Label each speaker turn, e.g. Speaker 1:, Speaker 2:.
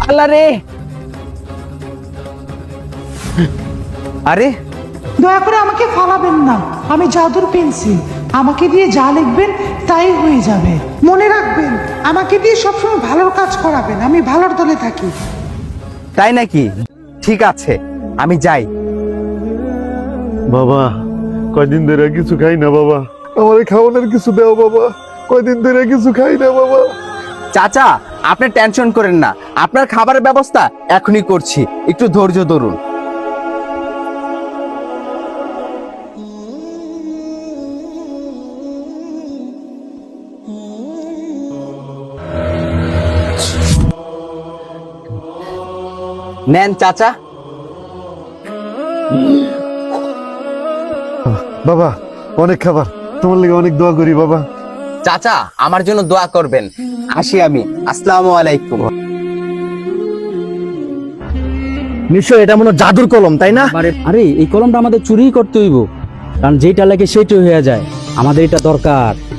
Speaker 1: আল্লাহ রে। আরে
Speaker 2: দয়া করে আমাকে ফালাবেন না, আমি জাদুর পেন্সিল, আমাকে দিয়ে যা লিখবেন তাই হয়ে যাবে। মনে রাখবেন, আমাকে দিয়ে সবসময় ভালোর কাজ করাবেন, আমি ভালোর দলে থাকি।
Speaker 1: তাই নাকি? ঠিক আছে, আমি যাই।
Speaker 3: বাবা কয়দিন ধরে কিছু খাই না বাবা, আমার খাওয়ানোর কিছু দাও বাবা, কয়দিন ধরে কিছু খাই না বাবা।
Speaker 1: চাচা, আপনি টেনশন করেন না, আপনার খাবারের ব্যবস্থা এখনই করছি, একটু ধৈর্য ধরুন। নেন চাচা।
Speaker 3: বাবা অনেক খাবার, তোমার লেগে অনেক দোয়া করি বাবা।
Speaker 1: চাচা, আমার জন্য দোয়া করবেন। আসি আমি। আসসালামু আলাইকুম।
Speaker 4: নিশ্চয় এটা মনে হয় জাদুর কলম, তাই না?
Speaker 5: আরে এই কলমটা আমাদের চুরি করতে হইব, কারণ যেটা লাগে সেটাই হয়ে যায়। আমাদের এটা দরকার।